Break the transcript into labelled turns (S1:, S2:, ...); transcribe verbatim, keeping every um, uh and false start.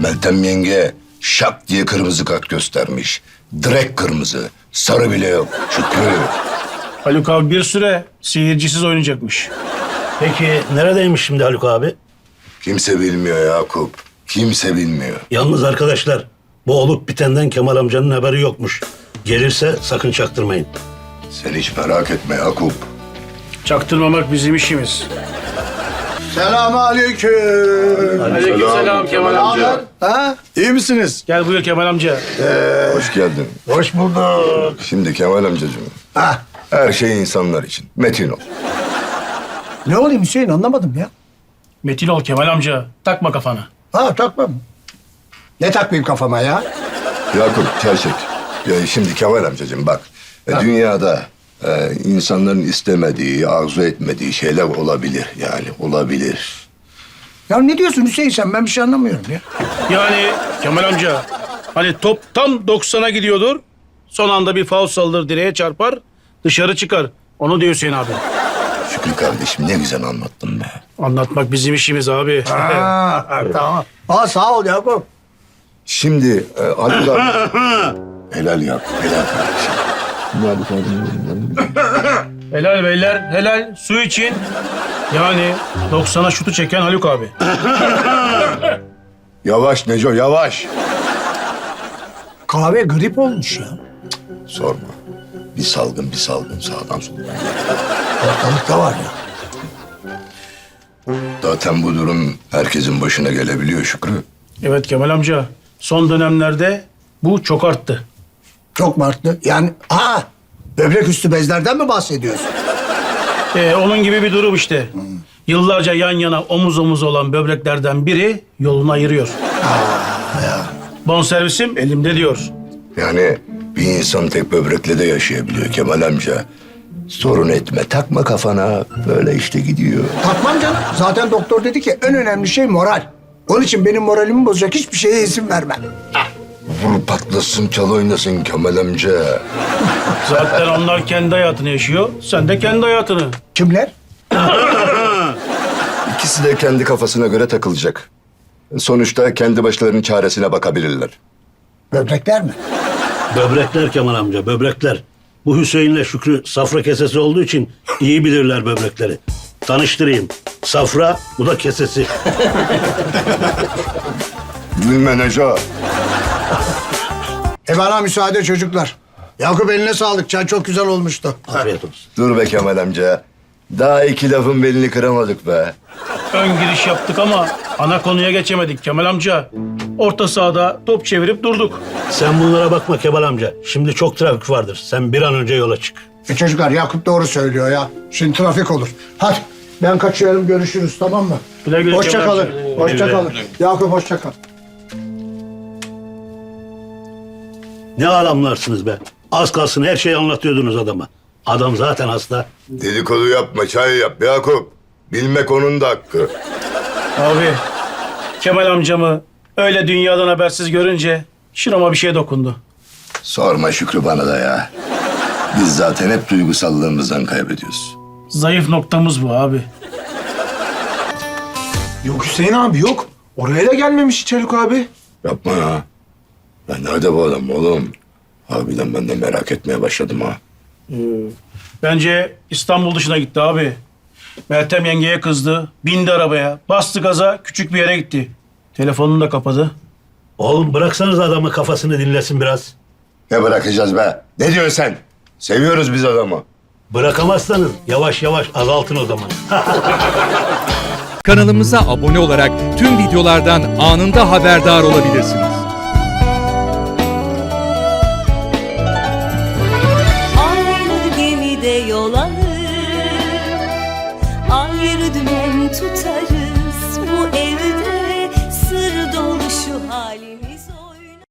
S1: Meltem yenge şak diye kırmızı kart göstermiş. Direkt kırmızı. Sarı bile yok. Şükrü.
S2: Haluk abi bir süre seyircisiz oynayacakmış.
S3: Peki neredeymiş şimdi Haluk abi?
S1: Kimse bilmiyor Yakup. Kimse bilmiyor.
S3: Yalnız arkadaşlar bu olup bitenden Kemal amcanın haberi yokmuş. Gelirse sakın çaktırmayın.
S1: Sen hiç merak etme Yakup.
S2: Çaktırmamak bizim işimiz.
S4: Selamünaleyküm.
S2: Aleykümselam Kemal amca.
S4: Ha? İyi misiniz?
S2: Gel buyur Kemal amca.
S1: Hoş geldin.
S4: Hoş bulduk.
S1: Şimdi Kemal amcacığım.
S4: Ha?
S1: Her şey insanlar için. Metin ol.
S4: Ne olayım Hüseyin anlamadım ya.
S2: Metin ol Kemal amca. Takma kafana.
S4: Ha takmam. Ne takmayayım kafama ya?
S1: Yakup gerçek. Ya şimdi Kemal amcacığım bak. e, Dünyada e, insanların istemediği, arzu etmediği şeyler olabilir. Yani olabilir.
S4: Ya ne diyorsun Hüseyin sen? Ben bir şey anlamıyorum ya.
S2: Yani Kemal amca hani top tam doksana gidiyordur. Son anda bir faul saldır direğe çarpar. Dışarı çıkar. Onu diyor Hüseyin abi.
S1: Şükrü kardeşim ne güzel anlattın be.
S2: Anlatmak bizim işimiz abi.
S4: Ha, tamam. Aa sağ ol Yakup.
S1: Şimdi e, Haluk abi... helal yap, helal kardeşim.
S2: Helal beyler, helal. Su için. Yani doksana şutu çeken Haluk abi.
S1: Yavaş Neco, yavaş.
S4: Kahve grip olmuş ya.
S1: Sorma. Bir salgın, bir salgın sağdan soldan.
S4: Ortalıkta var ya.
S1: Zaten bu durum herkesin başına gelebiliyor Şükrü.
S2: Evet Kemal amca. Son dönemlerde bu çok arttı.
S4: Çok mu arttı? Yani ha böbrek üstü bezlerden mi bahsediyorsun?
S2: Ee, onun gibi bir durum işte. Yıllarca yan yana omuz omuz olan böbreklerden biri yolunu ayırıyor. Bonservisim elimde diyor.
S1: Yani bir insan tek böbrekle de yaşayabiliyor Kemal amca. Sorun etme, takma kafana. Böyle işte gidiyor.
S4: Takmam canım. Zaten doktor dedi ki en önemli şey moral. Onun için benim moralimi bozacak hiçbir şeye izin vermem.
S1: Vur patlasın, çal oynasın Kemal amca.
S2: Zaten onlar kendi hayatını yaşıyor. Sen de kendi hayatını.
S4: Kimler?
S1: İkisi de kendi kafasına göre takılacak. Sonuçta kendi başlarının çaresine bakabilirler.
S4: Böbrekler mi?
S3: Böbrekler Kemal amca, böbrekler. Bu Hüseyin'le Şükrü safra kesesi olduğu için iyi bilirler böbrekleri. Tanıştırayım. Safra, bu da kesesi.
S1: Gülme Neco.
S4: E bana müsaade çocuklar. Yakup eline sağlık. Çay çok güzel olmuştu.
S3: Afiyet olsun.
S1: Dur be Kemal amca. Daha iki lafın belini kıramadık be.
S2: Ön giriş yaptık ama ana konuya geçemedik Kemal amca. Orta sahada top çevirip durduk.
S3: Sen bunlara bakma Kemal amca. Şimdi çok trafik vardır. Sen bir an önce yola çık.
S4: E çocuklar Yakup doğru söylüyor ya. Şimdi trafik olur. Hadi ben kaçıyorum görüşürüz tamam mı?
S2: Güle güle
S4: Hoşça
S2: Kemal
S4: kalın.
S2: amca.
S4: Hoşça kalın. Yakup hoşça kal.
S3: Ne adamlarsınız be. Az kalsın her şeyi anlatıyordunuz adama. Adam zaten hasta.
S1: Dedikodu yapma, çay yap Yakup. Bilmek onun da hakkı.
S2: Abi Kemal amcamı öyle dünyadan habersiz görünce şurama bir şey dokundu.
S1: Sorma Şükrü bana da ya. Biz zaten hep duygusallığımızdan kaybediyoruz.
S2: Zayıf noktamız bu abi.
S5: Yok Hüseyin abi yok. Oraya da gelmemiş hiç Haluk abi.
S1: Yapma ya. Ya nerede bu adam oğlum? Harbiden ben de merak etmeye başladım ha.
S2: Bence İstanbul dışına gitti abi. Meltem yengeye kızdı. Bindi arabaya. Bastı gaza küçük bir yere gitti. Telefonunu da kapadı.
S3: Oğlum bıraksanız adamı kafasını dinlesin biraz.
S1: Ne bırakacağız be? Ne diyorsun sen? Seviyoruz biz adamı.
S3: Bırakamazsanız yavaş yavaş azaltın o zaman.
S6: Kanalımıza abone olarak tüm videolardan anında haberdar olabilirsiniz.
S7: Aynı gemide yol alır, ayrı dümen tutarız bu evde.